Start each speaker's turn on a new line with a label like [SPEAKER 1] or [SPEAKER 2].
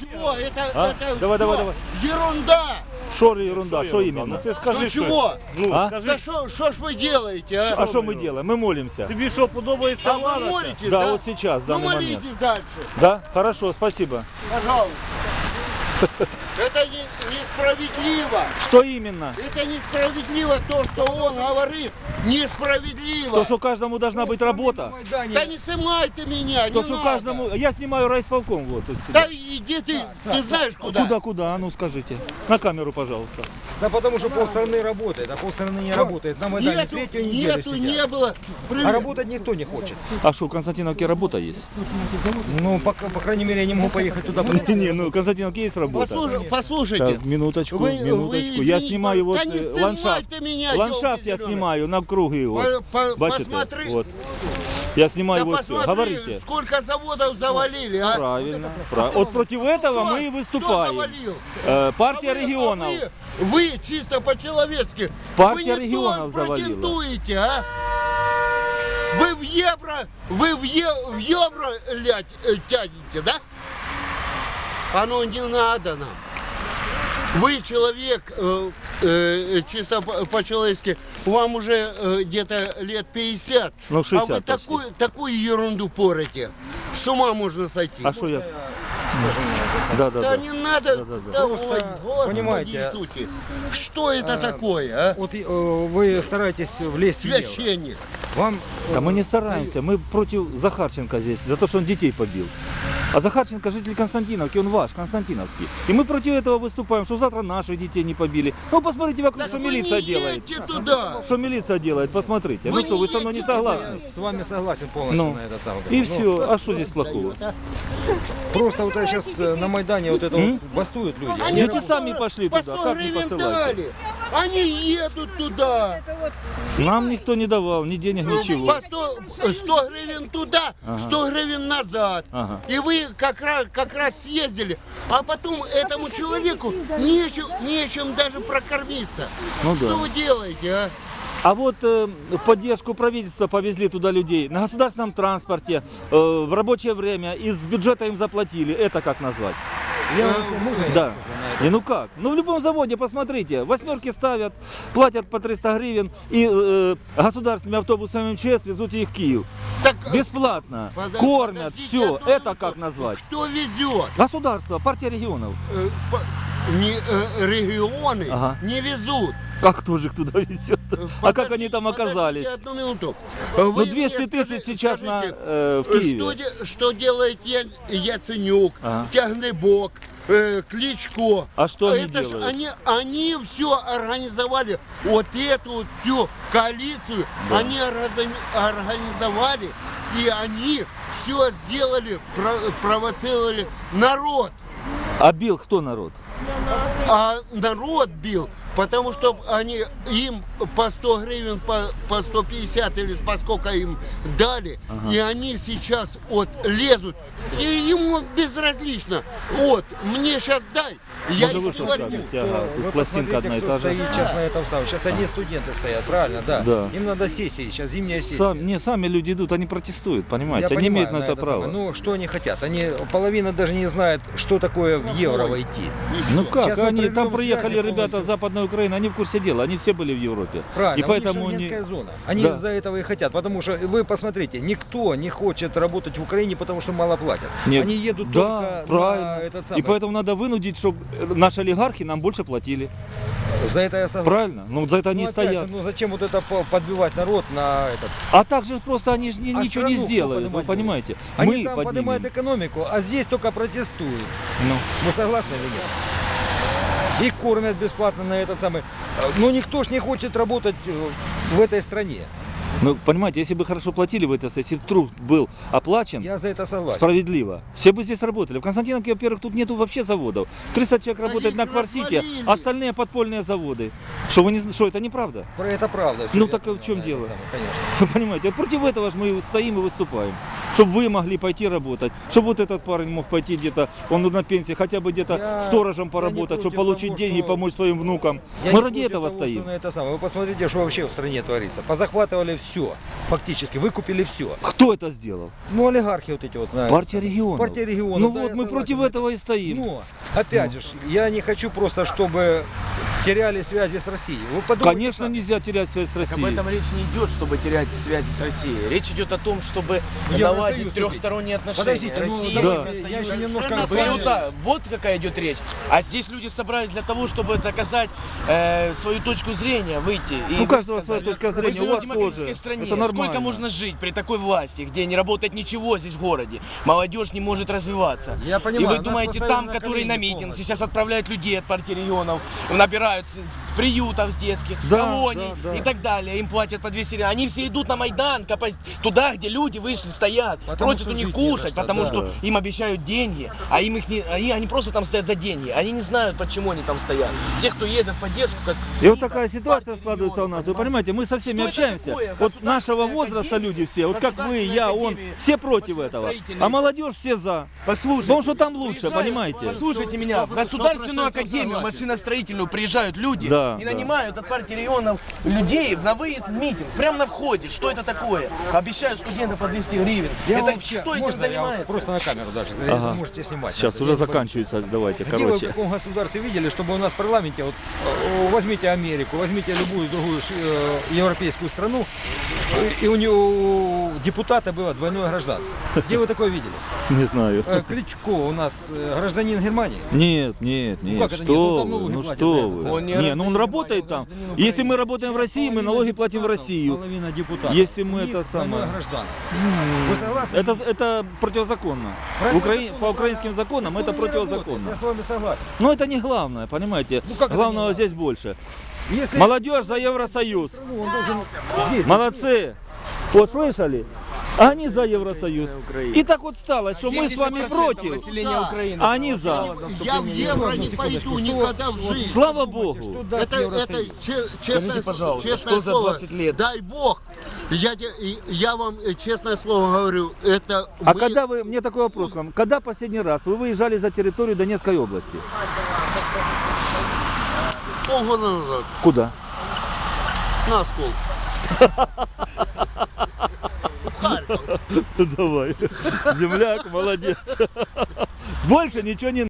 [SPEAKER 1] чего? Это
[SPEAKER 2] Давай,
[SPEAKER 1] всё
[SPEAKER 2] давай, давай.
[SPEAKER 1] ерунда.
[SPEAKER 2] Что ерунда? Что именно?
[SPEAKER 3] Ну ти
[SPEAKER 1] Ну
[SPEAKER 3] скажи,
[SPEAKER 1] чего?
[SPEAKER 2] А?
[SPEAKER 1] Да что ж вы делаете, а?
[SPEAKER 2] А что мы делаем? Мы молимся.
[SPEAKER 3] Тобі що подобається
[SPEAKER 1] А вы
[SPEAKER 3] влада?
[SPEAKER 1] молитесь,
[SPEAKER 2] Да,
[SPEAKER 1] да?
[SPEAKER 2] вот сейчас, в
[SPEAKER 1] Ну
[SPEAKER 2] данный момент.
[SPEAKER 1] молитесь дальше,
[SPEAKER 2] Да? Хорошо, спасибо.
[SPEAKER 1] пожалуйста. Это несправедливо.
[SPEAKER 2] Что именно?
[SPEAKER 1] Это несправедливо то, что он говорит. Несправедливо.
[SPEAKER 2] То, что каждому должна быть работа.
[SPEAKER 1] Да не снимайте меня,
[SPEAKER 2] То,
[SPEAKER 1] не
[SPEAKER 2] что
[SPEAKER 1] надо.
[SPEAKER 2] каждому... Я снимаю райисполком. Вот, тут сюда.
[SPEAKER 1] Да иди ты знаешь куда?
[SPEAKER 2] Куда? А ну скажите. На камеру, пожалуйста.
[SPEAKER 4] Да потому что полстраны работает, а полстраны не работает. На Майдане третью неделю сидят.
[SPEAKER 1] Не было.
[SPEAKER 4] А работать никто не хочет.
[SPEAKER 2] А что, в Константиновке работа есть?
[SPEAKER 4] Ну, по крайней мере, я не могу поехать туда.
[SPEAKER 2] Не, ну в Константиновке есть работа.
[SPEAKER 1] Послушайте.
[SPEAKER 2] Так, минуточку,
[SPEAKER 1] Вы
[SPEAKER 2] минуточку. Я
[SPEAKER 1] извините,
[SPEAKER 2] снимаю вот
[SPEAKER 1] да не
[SPEAKER 2] ландшафт.
[SPEAKER 1] снимайте меня,
[SPEAKER 2] Ландшафт я
[SPEAKER 1] ёлки
[SPEAKER 2] снимаю на круги. Вот. Бачите?
[SPEAKER 1] Посмотри.
[SPEAKER 2] Вот. Я снимаю
[SPEAKER 1] Да
[SPEAKER 2] вот все.
[SPEAKER 1] посмотри,
[SPEAKER 2] Говорите.
[SPEAKER 1] сколько заводов завалили, а?
[SPEAKER 2] Правильно. Вот против этого мы и
[SPEAKER 1] Кто
[SPEAKER 2] выступаем.
[SPEAKER 1] завалил?
[SPEAKER 2] Партия
[SPEAKER 1] А вы-
[SPEAKER 2] регионов.
[SPEAKER 1] Вы чисто по-человечески.
[SPEAKER 2] Партия
[SPEAKER 1] вы не
[SPEAKER 2] регионов
[SPEAKER 1] то
[SPEAKER 2] завалила.
[SPEAKER 1] претендуете, а? Вы в евро тянете, да? Оно не надо нам. Вы человек, чисто по-человечески, вам уже где-то лет 50,
[SPEAKER 2] Ну, 60
[SPEAKER 1] а вы
[SPEAKER 2] почти.
[SPEAKER 1] такую ерунду порите. С ума можно сойти.
[SPEAKER 2] А что я?
[SPEAKER 4] Скажем,
[SPEAKER 2] Да.
[SPEAKER 1] Да не надо, да,
[SPEAKER 4] Просто,
[SPEAKER 1] ой, Господи
[SPEAKER 4] понимаете,
[SPEAKER 1] Иисусе, что это такое, а?
[SPEAKER 4] вот вы стараетесь влезть в евро.
[SPEAKER 1] Священник.
[SPEAKER 4] Вам
[SPEAKER 2] Да мы не стараемся. Мы против Захарченко здесь, за то, что он детей побил. А Захарченко житель Константиновки, он ваш, константиновский. И мы против этого выступаем, что завтра наших детей не побили. Ну посмотрите вокруг,
[SPEAKER 1] Так
[SPEAKER 2] что
[SPEAKER 1] вы
[SPEAKER 2] милиция
[SPEAKER 1] не
[SPEAKER 2] делает.
[SPEAKER 1] едьте туда.
[SPEAKER 2] Что милиция делает, посмотрите.
[SPEAKER 1] Вы
[SPEAKER 2] Ну что,
[SPEAKER 1] не
[SPEAKER 2] вы со мной не
[SPEAKER 1] едете
[SPEAKER 2] согласны?
[SPEAKER 4] с вами согласен полностью
[SPEAKER 2] Ну,
[SPEAKER 4] на этот самый.
[SPEAKER 2] и
[SPEAKER 4] Ну,
[SPEAKER 2] все. А что здесь плохого?
[SPEAKER 4] Просто вот сейчас на Майдане вот это вот бастуют люди. Они
[SPEAKER 2] Дети сами пошли
[SPEAKER 1] По
[SPEAKER 2] туда,
[SPEAKER 1] 100
[SPEAKER 2] как не
[SPEAKER 1] гривен
[SPEAKER 2] посылать?
[SPEAKER 1] дали. Они едут туда.
[SPEAKER 2] Нам никто не давал, ни денег, ничего.
[SPEAKER 1] По 100 гривен туда, 100 гривен назад.
[SPEAKER 2] Ага.
[SPEAKER 1] И вы как раз съездили. А потом этому человеку нечем даже прокормиться.
[SPEAKER 2] Ну
[SPEAKER 1] Что
[SPEAKER 2] да.
[SPEAKER 1] вы делаете, а?
[SPEAKER 2] А вот в поддержку правительства повезли туда людей на государственном транспорте, в рабочее время, из бюджета им заплатили. Это как назвать?
[SPEAKER 4] можно я
[SPEAKER 2] Да.
[SPEAKER 4] скажу на это?
[SPEAKER 2] И ну как? Ну в любом заводе, посмотрите, восьмерки ставят, платят по 300 гривен и государственными автобусами МЧС везут их в Киев.
[SPEAKER 1] Так,
[SPEAKER 2] Бесплатно,
[SPEAKER 1] подождите
[SPEAKER 2] кормят, все.
[SPEAKER 1] одну
[SPEAKER 2] Это
[SPEAKER 1] минуту.
[SPEAKER 2] как назвать?
[SPEAKER 1] Кто везет?
[SPEAKER 2] Государство, партия регионов.
[SPEAKER 1] Регионы
[SPEAKER 2] Ага.
[SPEAKER 1] не везут.
[SPEAKER 2] Как тоже туда везет? А как они там оказались?
[SPEAKER 1] Подождите одну минуту.
[SPEAKER 2] Ну
[SPEAKER 1] Вы
[SPEAKER 2] 200
[SPEAKER 1] мне
[SPEAKER 2] тысяч сейчас
[SPEAKER 1] скажите,
[SPEAKER 2] в Киеве.
[SPEAKER 1] что делает Яценюк,
[SPEAKER 2] Ага.
[SPEAKER 1] Тягнебок, Кличко?
[SPEAKER 2] А что они
[SPEAKER 1] Это ж
[SPEAKER 2] делают?
[SPEAKER 1] они все организовали. Вот эту вот всю коалицию они организовали. И они все сделали, провоцировали народ.
[SPEAKER 2] А бил кто народ?
[SPEAKER 1] А народ бил, потому что им по 100 гривен, по 150 или по сколько им дали, и они сейчас вот лезут, и ему безразлично. Вот, мне сейчас дай, я
[SPEAKER 2] Может, вы
[SPEAKER 1] их
[SPEAKER 2] что
[SPEAKER 1] возьму.
[SPEAKER 2] скажете? Ага, тут
[SPEAKER 4] Вы
[SPEAKER 2] пластинка одна и
[SPEAKER 4] посмотрите,
[SPEAKER 2] та
[SPEAKER 4] кто
[SPEAKER 2] же.
[SPEAKER 4] стоит сейчас на этом самом. Сейчас одни студенты стоят, правильно, да?
[SPEAKER 2] Да.
[SPEAKER 4] Им надо сессии, сейчас зимняя сессия.
[SPEAKER 2] Сами люди идут, они протестуют, понимаете?
[SPEAKER 4] Я
[SPEAKER 2] Они
[SPEAKER 4] понимаю,
[SPEAKER 2] имеют на это право.
[SPEAKER 4] самое. Ну, что они хотят? Половина даже не знает, что такое в евро войти.
[SPEAKER 2] Ну как,
[SPEAKER 4] Сейчас мы
[SPEAKER 2] они там
[SPEAKER 4] прервем
[SPEAKER 2] приехали
[SPEAKER 4] связи
[SPEAKER 2] ребята
[SPEAKER 4] полностью.
[SPEAKER 2] с Западной Украины, они в курсе дела, они все были в Европе.
[SPEAKER 4] Правильно,
[SPEAKER 2] И поэтому
[SPEAKER 4] у них шенгенская зона. Они
[SPEAKER 2] Да.
[SPEAKER 4] из-за этого и хотят, потому что вы посмотрите, никто не хочет работать в Украине, потому что мало платят.
[SPEAKER 2] Нет.
[SPEAKER 4] Они едут
[SPEAKER 2] Да,
[SPEAKER 4] только
[SPEAKER 2] правильно.
[SPEAKER 4] на этот самый.
[SPEAKER 2] И поэтому надо вынудить, чтобы наши олигархи нам больше платили.
[SPEAKER 4] За это я согласен.
[SPEAKER 2] Правильно? Ну за это они
[SPEAKER 4] Ну,
[SPEAKER 2] и
[SPEAKER 4] опять
[SPEAKER 2] стоят.
[SPEAKER 4] же, ну зачем вот это подбивать народ на этот?
[SPEAKER 2] А также просто они же
[SPEAKER 4] А
[SPEAKER 2] ничего не
[SPEAKER 4] страну кто
[SPEAKER 2] сделают, вы
[SPEAKER 4] поднимать
[SPEAKER 2] понимаете?
[SPEAKER 4] Они
[SPEAKER 2] Мы
[SPEAKER 4] там
[SPEAKER 2] поднимем.
[SPEAKER 4] поднимают экономику, а здесь только протестуют.
[SPEAKER 2] Ну.
[SPEAKER 4] Вы согласны или нет? Их кормят бесплатно на этот самый. Но никто ж не хочет работать в этой стране.
[SPEAKER 2] Ну, понимаете, если бы хорошо платили в это, если бы труд был оплачен,
[SPEAKER 4] Я за это согласен.
[SPEAKER 2] справедливо, все бы здесь работали. В Константиновке, во-первых, тут нету вообще заводов. 300 человек работает
[SPEAKER 1] их
[SPEAKER 2] на Кварсите,
[SPEAKER 1] развалили.
[SPEAKER 2] остальные подпольные заводы. Что, вы не, что это неправда?
[SPEAKER 4] Это правда. всё,
[SPEAKER 2] Ну,
[SPEAKER 4] я
[SPEAKER 2] так
[SPEAKER 4] понял,
[SPEAKER 2] в чем
[SPEAKER 4] на этот
[SPEAKER 2] дело?
[SPEAKER 4] самый, конечно.
[SPEAKER 2] Вы понимаете, вот против этого же мы стоим и выступаем. Чтобы вы могли пойти работать, чтобы вот этот парень мог пойти где-то, он на пенсии, хотя бы где-то
[SPEAKER 4] Я-
[SPEAKER 2] сторожем
[SPEAKER 4] я не
[SPEAKER 2] поработать, чтобы
[SPEAKER 4] против
[SPEAKER 2] получить
[SPEAKER 4] того,
[SPEAKER 2] деньги и
[SPEAKER 4] что-
[SPEAKER 2] помочь своим внукам.
[SPEAKER 4] Я
[SPEAKER 2] Мы
[SPEAKER 4] не
[SPEAKER 2] ради
[SPEAKER 4] против
[SPEAKER 2] этого
[SPEAKER 4] того, что
[SPEAKER 2] стоим.
[SPEAKER 4] на это самое. Вы посмотрите, что вообще в стране творится. Позахватывали все. все. Фактически выкупили все.
[SPEAKER 2] Кто это сделал?
[SPEAKER 4] Ну, олигархи вот эти вот.
[SPEAKER 2] Партия регионов.
[SPEAKER 4] Партия регионов.
[SPEAKER 2] Ну
[SPEAKER 4] да,
[SPEAKER 2] вот
[SPEAKER 4] я
[SPEAKER 2] мы
[SPEAKER 4] согласен.
[SPEAKER 2] против этого и стоим.
[SPEAKER 4] Но, опять же, я не хочу просто, чтобы теряли связи с Россией. Вы подумайте
[SPEAKER 2] Конечно,
[SPEAKER 4] сами.
[SPEAKER 2] нельзя терять связь с
[SPEAKER 3] Об
[SPEAKER 2] Россией.
[SPEAKER 3] этом речь не идет, чтобы терять связи с Россией. Речь идет о том, чтобы
[SPEAKER 4] Евросоюз
[SPEAKER 3] наладить
[SPEAKER 4] вступить.
[SPEAKER 3] трехсторонние отношения.
[SPEAKER 4] Подождите, ну,
[SPEAKER 3] Россия,
[SPEAKER 4] давайте, я еще немножко
[SPEAKER 1] Совершенно
[SPEAKER 3] Были
[SPEAKER 1] правильно.
[SPEAKER 3] вот какая идет речь. А здесь люди собрались для того, чтобы доказать свою точку зрения, выйти. И
[SPEAKER 2] У каждого
[SPEAKER 3] высказать.
[SPEAKER 2] своя точка
[SPEAKER 3] Мы
[SPEAKER 2] зрения,
[SPEAKER 3] живем
[SPEAKER 2] у вас
[SPEAKER 3] в демократической
[SPEAKER 2] тоже.
[SPEAKER 3] стране.
[SPEAKER 2] Это нормально.
[SPEAKER 3] Сколько можно жить при такой власти, где не работает ничего здесь в городе? Молодежь не может развиваться.
[SPEAKER 4] Я понимаю,
[SPEAKER 3] И вы
[SPEAKER 4] нас
[SPEAKER 3] думаете,
[SPEAKER 4] поставили
[SPEAKER 3] там,
[SPEAKER 4] на
[SPEAKER 3] которые на
[SPEAKER 4] колени
[SPEAKER 3] митинг,
[SPEAKER 4] полностью.
[SPEAKER 3] сейчас отправляют людей от партии регионов, набирают с приютов с детских, с
[SPEAKER 2] Да,
[SPEAKER 3] колоний
[SPEAKER 2] да, да.
[SPEAKER 3] и так далее. Им платят по 200 гривен. Они все идут на Майдан, туда, где люди вышли, стоят,
[SPEAKER 4] Потому
[SPEAKER 3] просят
[SPEAKER 4] что
[SPEAKER 3] у них
[SPEAKER 4] жить не за
[SPEAKER 3] кушать,
[SPEAKER 4] что,
[SPEAKER 3] потому
[SPEAKER 4] да.
[SPEAKER 3] что им обещают деньги, а им их не, они просто там стоят за деньги. Они не знают, почему они там стоят. Те, кто едет в поддержку, как
[SPEAKER 2] И вот
[SPEAKER 3] Лида,
[SPEAKER 2] такая ситуация
[SPEAKER 3] партия
[SPEAKER 2] складывается у нас. Вы понимаете, мы со всеми
[SPEAKER 3] Что это
[SPEAKER 2] общаемся.
[SPEAKER 3] такое?
[SPEAKER 2] Вот нашего
[SPEAKER 3] Государственная
[SPEAKER 2] возраста
[SPEAKER 3] академия,
[SPEAKER 2] люди все, вот как вы,
[SPEAKER 3] Государственная
[SPEAKER 2] я, он,
[SPEAKER 3] академия
[SPEAKER 2] все против этого.
[SPEAKER 3] машиностроительной.
[SPEAKER 2] А молодежь все за.
[SPEAKER 3] Послушайте,
[SPEAKER 2] Потому что там лучше,
[SPEAKER 3] приезжают,
[SPEAKER 2] понимаете?
[SPEAKER 3] Послушайте меня, в Государственную
[SPEAKER 1] 100%
[SPEAKER 3] академию
[SPEAKER 1] согласен.
[SPEAKER 3] машиностроительную приезжают люди
[SPEAKER 2] Да,
[SPEAKER 3] и
[SPEAKER 2] да.
[SPEAKER 3] нанимают от партии регионов людей на выезд в митинг, прямо на входе. Что это такое? Обещают студентам по 200 гривен.
[SPEAKER 4] Я
[SPEAKER 3] Это
[SPEAKER 4] вообще,
[SPEAKER 3] кто этим
[SPEAKER 4] можно я
[SPEAKER 3] занимается?
[SPEAKER 4] просто на камеру даже,
[SPEAKER 2] Ага.
[SPEAKER 4] можете снимать.
[SPEAKER 2] Сейчас
[SPEAKER 4] Я
[SPEAKER 2] уже
[SPEAKER 4] не
[SPEAKER 2] заканчивается, давайте,
[SPEAKER 4] Где вы в
[SPEAKER 2] короче.
[SPEAKER 4] каком государстве видели, чтобы у нас в парламенте, вот, возьмите Америку, возьмите любую другую европейскую страну, и у него депутата было двойное гражданство. Где вы такое видели?
[SPEAKER 2] Не знаю.
[SPEAKER 4] Кличко у нас гражданин Германии.
[SPEAKER 2] Нет, нет, нет,
[SPEAKER 4] как это нет? Ну,
[SPEAKER 2] что
[SPEAKER 4] там
[SPEAKER 2] вы,
[SPEAKER 4] налоги
[SPEAKER 2] ну
[SPEAKER 4] платят,
[SPEAKER 2] что
[SPEAKER 4] да,
[SPEAKER 2] вы.
[SPEAKER 4] это
[SPEAKER 3] Он не
[SPEAKER 2] Не, ну
[SPEAKER 3] гражданин
[SPEAKER 2] он работает там.
[SPEAKER 3] Германии, он гражданин
[SPEAKER 2] Если мы работаем в России, мы налоги платим в Россию.
[SPEAKER 4] Половина депутатов.
[SPEAKER 2] Если мы
[SPEAKER 4] У них
[SPEAKER 2] это самое-
[SPEAKER 4] двойное гражданство. Вы согласны?
[SPEAKER 2] Это противозаконно.
[SPEAKER 4] Противозаконно,
[SPEAKER 2] По украинским законам это
[SPEAKER 4] законы не работают,
[SPEAKER 2] противозаконно.
[SPEAKER 4] Я с вами согласен.
[SPEAKER 2] Но это не главное, понимаете?
[SPEAKER 4] Ну, как это не
[SPEAKER 2] Главного
[SPEAKER 4] главное?
[SPEAKER 2] здесь больше.
[SPEAKER 4] Если
[SPEAKER 2] Молодежь за Евросоюз.
[SPEAKER 4] ну, он должен здесь.
[SPEAKER 2] Молодцы. Вот слышали? Они за Евросоюз. И так вот стало, что мы с вами
[SPEAKER 3] 70%
[SPEAKER 2] против,
[SPEAKER 3] населения
[SPEAKER 1] Да.
[SPEAKER 3] Украины
[SPEAKER 2] а они за.
[SPEAKER 1] Я в евро не пойду никогда в жизнь.
[SPEAKER 2] Слава Богу.
[SPEAKER 4] Что даст
[SPEAKER 1] Это
[SPEAKER 4] Евросоюз?
[SPEAKER 1] честное,
[SPEAKER 3] Скажите, пожалуйста,
[SPEAKER 1] честное
[SPEAKER 3] что за
[SPEAKER 1] слово.
[SPEAKER 3] 20 лет?
[SPEAKER 1] Дай Бог. Я вам честное слово говорю, это
[SPEAKER 2] А
[SPEAKER 1] мы-
[SPEAKER 2] когда вы, мне такой вопрос к вам, когда последний раз вы выезжали за территорию Донецкой области?
[SPEAKER 1] полгода назад
[SPEAKER 2] Куда?
[SPEAKER 1] на Оскол. Харьков.
[SPEAKER 2] Давай. Земляк, молодец. Больше ничего не